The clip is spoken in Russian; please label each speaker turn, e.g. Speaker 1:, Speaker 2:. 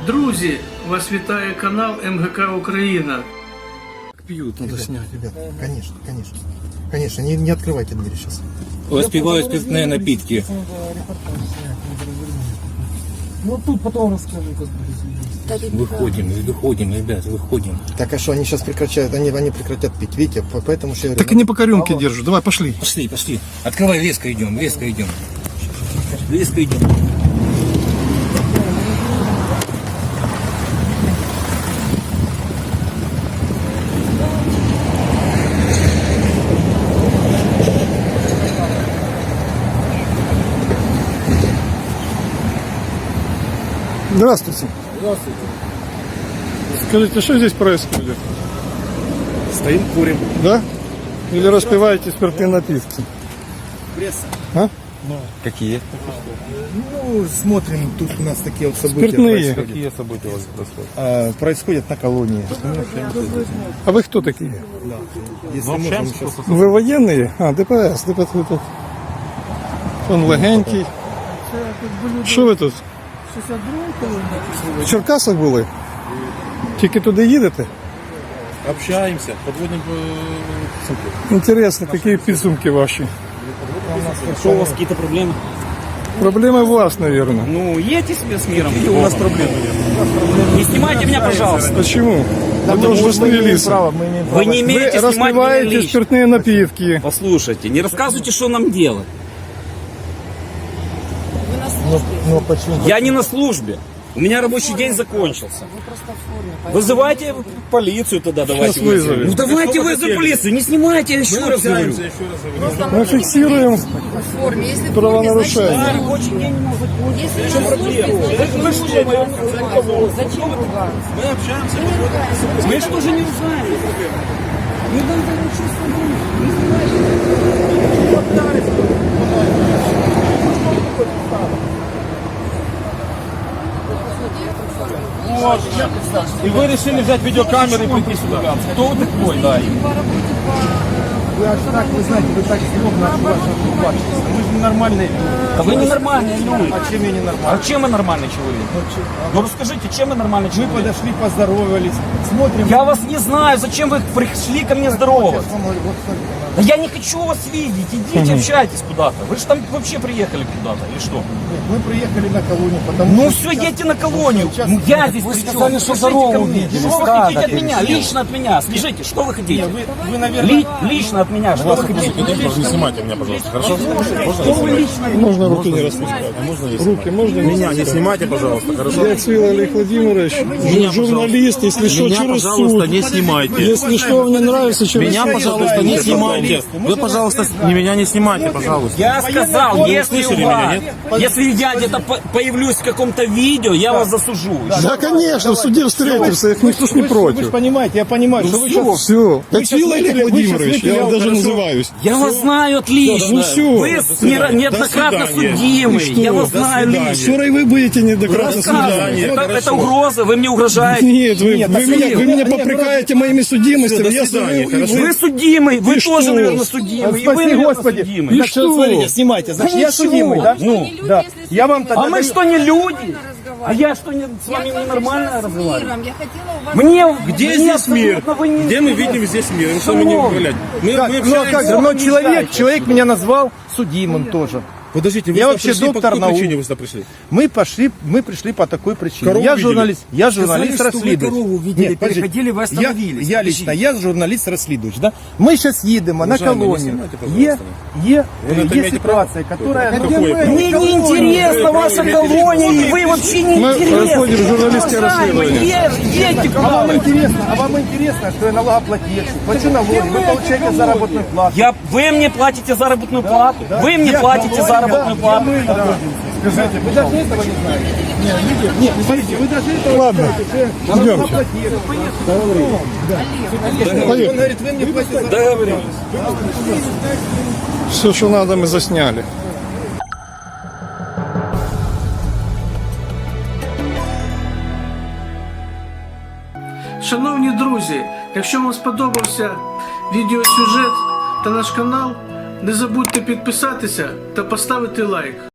Speaker 1: Друзі, вас вітає канал МГК Україна.
Speaker 2: Пьют, надо снять.
Speaker 3: Ребят, конечно, конечно. Конечно, не открывайте двери сейчас.
Speaker 2: Распивают спиртные напитки.
Speaker 4: Ну тут потом расскажу, как будет.
Speaker 2: Выходим, ребят, выходим.
Speaker 3: Так, а что, они сейчас прекращают, они прекратят пить, видите, поэтому что я говорю,
Speaker 4: Так и не по рюмке держу. Давай, пошли.
Speaker 2: Пошли. Открывай, резко идем. Резко идем.
Speaker 4: Здравствуйте. Скажите, что здесь происходит?
Speaker 5: Стоим, курим.
Speaker 4: Да? Или распиваете спиртные напитки?
Speaker 5: Пресса.
Speaker 4: А?
Speaker 2: Какие?
Speaker 3: ну, смотрим, тут у нас такие вот события
Speaker 4: Спиртные.
Speaker 3: происходят.
Speaker 5: Какие события у вас происходят?
Speaker 3: Происходят на колонии.
Speaker 4: А вы кто такие?
Speaker 3: Если можем сейчас...
Speaker 4: Ви воєнні? А, ДПС. Он легенький. Що ви тут? В Черкасах були? Тільки туди їдете?
Speaker 5: Общаемся, подводим сумки.
Speaker 4: Інтересно, які підсумки ваші?
Speaker 6: Что у вас какие-то проблемы?
Speaker 4: Проблеми у вас, наверное.
Speaker 6: Ну, едьте себе с миром.
Speaker 3: У нас проблемы.
Speaker 6: Не снимайте меня, пожалуйста.
Speaker 4: Почему? Вы должностные лица.
Speaker 6: Вы не
Speaker 4: Вы
Speaker 6: имеете снимать меня
Speaker 4: распиваете
Speaker 6: лично.
Speaker 4: спиртные напитки.
Speaker 6: Послушайте, не рассказывайте, что нам делать.
Speaker 3: Ну, почему?
Speaker 6: Я не на службе. У меня рабочий день закончился. Вызывайте полицию тогда, давайте
Speaker 4: Сейчас вызовем.
Speaker 6: Ну давайте вызовем полицию, не снимайте, я еще раз говорю.
Speaker 4: Мы фиксируем правонарушение.
Speaker 6: Да, рабочий день у нас закончился. В чем проблема? Вы что, мы зачем ругаться?
Speaker 5: Мы общаемся.
Speaker 6: Мы что же не знаем? Не надо ничего с собой.
Speaker 5: И вы решили взять видеокамеру и прийти сюда. Кто вы такой? Да.
Speaker 3: Вы аж так, вы знаете, вы так злобно отшиваете. Мы же нормальные.
Speaker 6: Да вы ненормальные люди.
Speaker 3: А чем я не нормальный?
Speaker 6: А чем вы нормальный человек? Ну расскажите, чем вы нормальный
Speaker 3: Мы
Speaker 6: человек?
Speaker 3: подошли, поздоровались, смотрим.
Speaker 6: Я вас не знаю, зачем вы пришли ко мне здороваться?
Speaker 3: Сейчас вам говорю, вот смотрите.
Speaker 6: Да я не хочу вас видеть, идите общайтесь куда-то. Вы же там вообще приехали куда-то, или что?
Speaker 3: Мы приехали на колонию, потому
Speaker 6: Ну
Speaker 3: что
Speaker 6: все,
Speaker 3: сейчас-
Speaker 6: едьте на колонию.
Speaker 3: сейчас-
Speaker 6: Ну, я здесь
Speaker 4: Вы
Speaker 6: при чем?
Speaker 4: сказали, что
Speaker 6: Пришлите
Speaker 4: здорово
Speaker 6: ко мне.
Speaker 4: увидели.
Speaker 6: Что вы
Speaker 4: Да,
Speaker 6: хотите от
Speaker 4: да,
Speaker 6: меня? Лично от меня. Скажите, что вы хотите?
Speaker 3: Вы, наверное,
Speaker 6: Лично от меня, что вы хотите?
Speaker 5: Не снимайте меня, пожалуйста, хорошо?
Speaker 6: Что вы лично от меня?
Speaker 4: Можно руки не распускать? Руки можно не
Speaker 5: Меня не снимайте, пожалуйста, хорошо?
Speaker 4: Я Цвил Олег Владимирович, журналист, если что,
Speaker 5: Меня,
Speaker 4: через
Speaker 5: пожалуйста,
Speaker 4: суд.
Speaker 5: не снимайте.
Speaker 4: Если что, вам не нравится, через
Speaker 5: Меня,
Speaker 4: суд.
Speaker 5: пожалуйста, не снимайте. Вы, пожалуйста, меня не снимайте, пожалуйста.
Speaker 6: Я сказал, если
Speaker 5: услышали
Speaker 6: у вас,
Speaker 5: меня,
Speaker 6: если я где-то появлюсь в каком-то видео, я вас засужу.
Speaker 4: Да, конечно, в суде встретимся, их никто ж не
Speaker 3: вы же
Speaker 4: против.
Speaker 3: понимаете, я понимаю, что вы сейчас...
Speaker 4: Все, Цвил Олег
Speaker 3: выпили, вы
Speaker 4: Владимирович,
Speaker 3: сейчас
Speaker 4: я вам
Speaker 3: выпили,
Speaker 4: даже
Speaker 3: хорошо.
Speaker 4: называюсь.
Speaker 6: Я вас знаю отлично.
Speaker 4: Ну все.
Speaker 6: Вы неоднократно судимый. Я вас знаю лично.
Speaker 4: Скоро и вы будете недократно
Speaker 6: Рассказывайте.
Speaker 4: судимы.
Speaker 6: Это угроза, вы мне угрожаете.
Speaker 4: Нет, вы меня попрекаете моими судимостями. Я
Speaker 6: Вы судимый, вы
Speaker 4: И
Speaker 6: тоже,
Speaker 4: что?
Speaker 6: наверное, судимый. И вы,
Speaker 3: Спаси
Speaker 6: наверное,
Speaker 3: Господи.
Speaker 6: судимый.
Speaker 4: И
Speaker 3: Так
Speaker 4: что?
Speaker 3: смотрите, снимайте. Значит, я
Speaker 4: Ничего.
Speaker 3: судимый, да?
Speaker 7: Ну,
Speaker 3: да. Я вам тогда...
Speaker 6: А мы
Speaker 3: даю-
Speaker 6: что, не люди? А я что, с вами ненормально разговариваю?
Speaker 7: Я хотела у вас...
Speaker 6: Мне,
Speaker 5: Где
Speaker 6: мне
Speaker 5: здесь мир?
Speaker 6: абсолютно вы не
Speaker 5: Где мы
Speaker 6: интересны.
Speaker 5: видим здесь мир? Мы с вами не
Speaker 6: Шановный.
Speaker 5: управлять. Мы
Speaker 3: Так, ну, а как же,
Speaker 5: общаемся.
Speaker 3: но человек меня назвал судимым тоже.
Speaker 5: Подождите, вы
Speaker 3: Я
Speaker 5: сюда
Speaker 3: вообще
Speaker 5: пришли,
Speaker 3: доктор
Speaker 5: по какой
Speaker 3: наук.
Speaker 5: причине вы сюда пришли?
Speaker 3: Мы пришли по такой причине.
Speaker 5: Корову
Speaker 3: Я
Speaker 5: видели?
Speaker 3: журналист расследующий. Переходили, вы остановились. Я лично, я журналист расследующий, да? Мы сейчас едем на
Speaker 5: Уважаемый, не
Speaker 3: колонию.
Speaker 5: снимайте, пожалуйста.
Speaker 3: Есть
Speaker 5: имеете право?
Speaker 3: ситуация, которая...
Speaker 5: Какое?
Speaker 6: Мне не интересна ваша колония, и вы вообще не
Speaker 4: Мы
Speaker 6: интересны.
Speaker 4: проходим журналистское расследование.
Speaker 6: Едьте
Speaker 3: А вам
Speaker 6: куда-то.
Speaker 3: интересно, что я налогоплательщик, плачу налоги, вы получаете заработную плату.
Speaker 6: Вы мне платите заработную плату? Вы мне
Speaker 3: Я
Speaker 6: платите
Speaker 3: говорю,
Speaker 6: заработную
Speaker 3: да,
Speaker 6: плату?
Speaker 3: мы, да. Скажите, вы даже этого не знаете? Нет, смотрите, вы даже этого
Speaker 4: Ладно,
Speaker 3: не знаете.
Speaker 4: идемте.
Speaker 3: Он говорит, вы мне платите.
Speaker 6: Договорились.
Speaker 4: Все, что надо, мы засняли.
Speaker 1: Шановні друзі, якщо вам сподобався відеосюжет та наш канал, не забудьте підписатися та поставити лайк.